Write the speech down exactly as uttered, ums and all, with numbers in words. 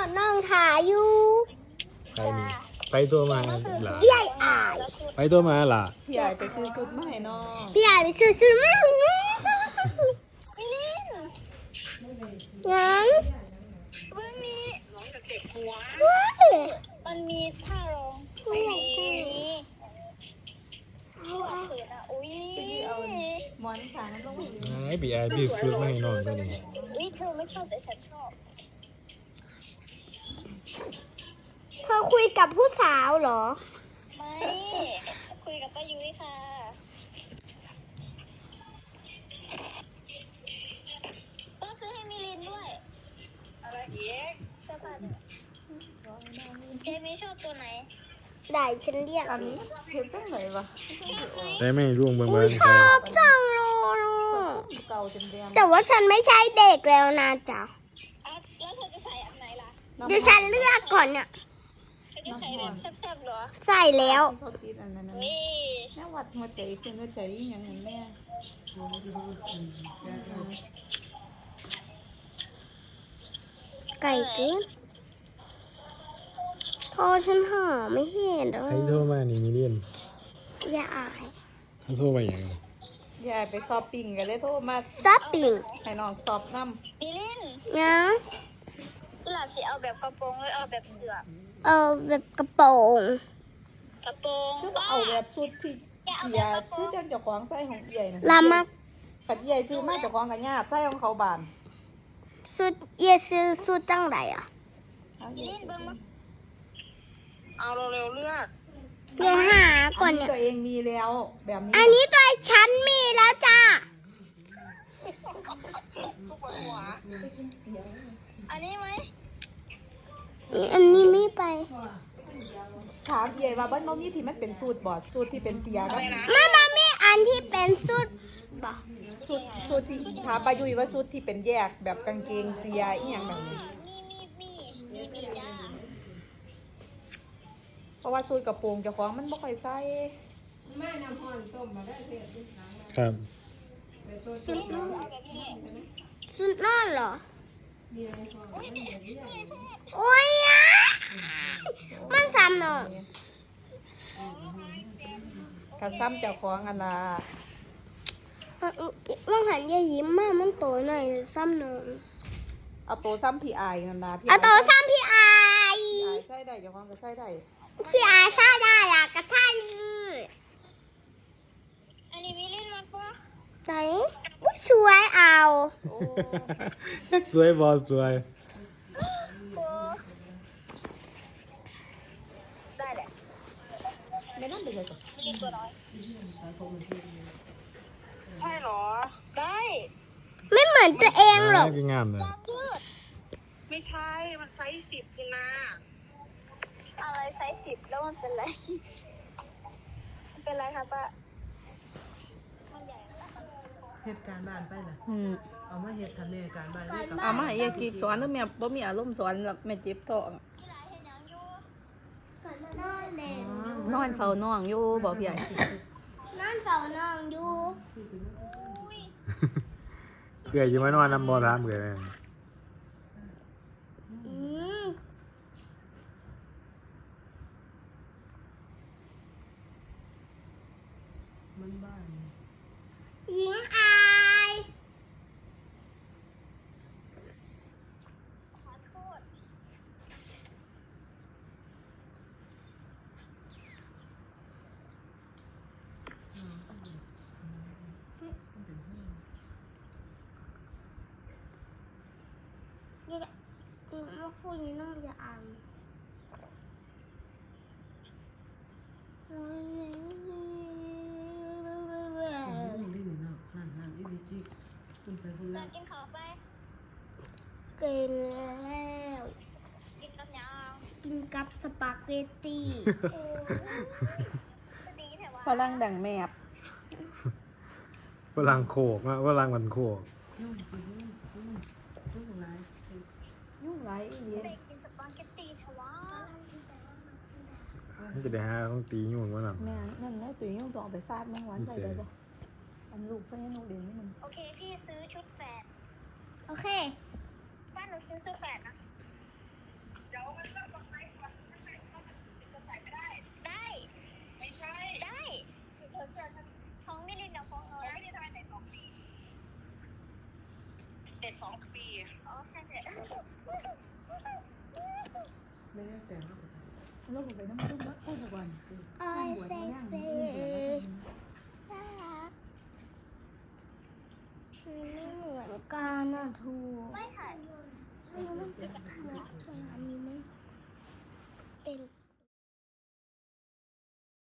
น้องถ่ายอยู่ใครนี่ไปตัวมาหล่ะพี่ใหญ่อายไปตัวมาหล่ะพี่ใหญ่ไปซื้อชุดมาให้น้องพี่ใหญ่ไปซื้อซื้อมางั้นเบื้องนี้น้องจะเก็บหัวเฮ้ยมันมีท่าร้องไม่มีเอาเอาเขินอ่ะอุ้ยเอาหมอนขาน้ำลงมาไอ้บีไอพี่ซื้อมาให้น้องตัวนี้อุ้ยเธอไม่ชอบแต่ฉันชอบเธอคุยกับผู้สาวเหรอไม่คุยกับป้ายุ้ยค่ะต้องซื้อให้มิลินด้วยอะไรอีกเสื้อผ้าเนี่ยเจมี่ชอบตัวไหนได้ฉันเรียกอันนี้เห็นจังไหนวะได้ไหมร่วงเบิ่งอุ้เบิ่ยงชอบจังเลยเก่าเต็มแดงแต่ว่าฉันไม่ใช่เด็กแล้วนะจ๊ะอ่ะแล้วเธอจะใส่อันไหนล่ะเดี๋ยวฉันเลือกก่อนเนี่ยเธอจะใส่แบบแซ่บๆเหรอใส่แล้วเขาติดอันนั้นเฮ้ยแม่วัดหัวใจขึ้นหัวใจอย่างนั้นแม่ไก่เกินโทรฉันหาไม่เห็นแล้วใครโทรมานี่มิเลียนอย่าอายเขาโทรมาอย่างยายไปสอบปิ่งกันเลยโทรมาซับปิ่งให้น้องสอบน้มิลินนะหล่ะสิเอาแบบกระโปรงหรือเอาแบบเสื้อเออแบบกระโปรงกระโปรงำคือเอาแบบชุดที่เสียคือจังเจ้าของใส่ของใหญ่นะลามักขัดใหญ่ซื้อมาเจ้าของกันญาติใส่ของเขาบานสุดเยซื้อสุดจังไรอ่ะมิลินเบิ่งมาเอาเร็วๆเลือกเดี๋ยวหาก่อนอันนี้เนี่ยตัวเองมีแล้วแบบนี้อันนี้ตัวฉันมีแล้วจ้าอันนี้ไหมอันนี้ไม่ไปถามใหญ่ว่าบ้านบ่มีที่มันเป็นสูตรบอดสูตรที่เป็นเสียกับมามามีอันที่เป็นสุดบ่สูตรสูตรที่ถามปายุยว่าสูตรที่เป็นแยกแบบกางเกงเสียอีหยังแบบนี้มีมีมีมีมีจ้าเพราะว่าสูตรกระโปรงเจ้าของมันบ่ค่อยใส่ครับสุดนอนเอาแบบนี้สุดนอนเหรออุ้ยนี่นี่แท้โอ้ยอะมันซ้ำเนอะกระซ้ำเจ้าของอันน่ะมันหันยายยิ้มมากมันโตหน่อยซ้ำเนอะเอาตัวซ้ำพี่อายนั่นน่ะพี่เอาโตซ้ำพี่อายพี่อายใส่ได้เจ้าของก็ใส่ได้พี่อายซ่าได้ละกระท่ายเลยอันนี้มิลินมาปะไหนอุ๊ยสวยเอาโอ้สวยบอสวยโอ้ได้แหละไม่นั่นเป็นไรจ้ะมิลินตัวน้อยใช่เหรอ ได้ไม่เหมือนตัวเองหรอกคืองามเลยยืดไม่ใช่ มันไซส์สิบคุณนาอะไรไซส์สิบแล้วมันเป็นไร เป็นไรคะป้ามันใหญ่นะเหตุการณ์บ้านไปล่ะอืมเอามาเหตุทำในการบ้านด้วยกับเอามาให้ยายกิ๊กสอนเด้อแม่บ่มีอารมณ์สอนหรอกแม่เจ็บท้องนอนเล่นนอนเฝ้าน้องอยู่บ่พี่ใหญ่นอนเฝ้านอนอยู่เกลืออยู่มานอนน้ำบอถามเกลืออืมมันบ้านหญิงอายขอโทษนี่แหละมาคุยนี่น้องจะอ่านนี่นี่เนาะหันหันอีวิจิคุณไปคุณเดิละนกินข้าวไปกินแล้วกินกับยังกินกับสปาเกตตี้ดีแต่ว่าฝรั่งดังแมบฝรั่งโขกนะฝรั่งมันโขกยุ่งยุ่งยุ่งยุ่งอะไรยุ่งไรอีหลีไปกินสปาเกตตีเถอะวะมันจะได้หาของตีอยู่มั้งน่ะแม่นั่นแล้วตุ้ยยุ่งต้องเอาไปซาดแมงวันใส่ได้บ่อันลูกเพิ่นยังลูกเด่นนี่มันโอเคพี่ซื้อชุดแฝดโอเคบ้านหนูซื้อชุดแฝดนะด็กสองปีอ๋อแค่เด็กไม่ได้แต่ว่าเราไปน้ำมันมาพูดก่อนไอเซ็กซี่น่ารักไม่เหมือนกันนะทูไม่ค่ะอันนี้มันเป็นอันนี้มันเป็น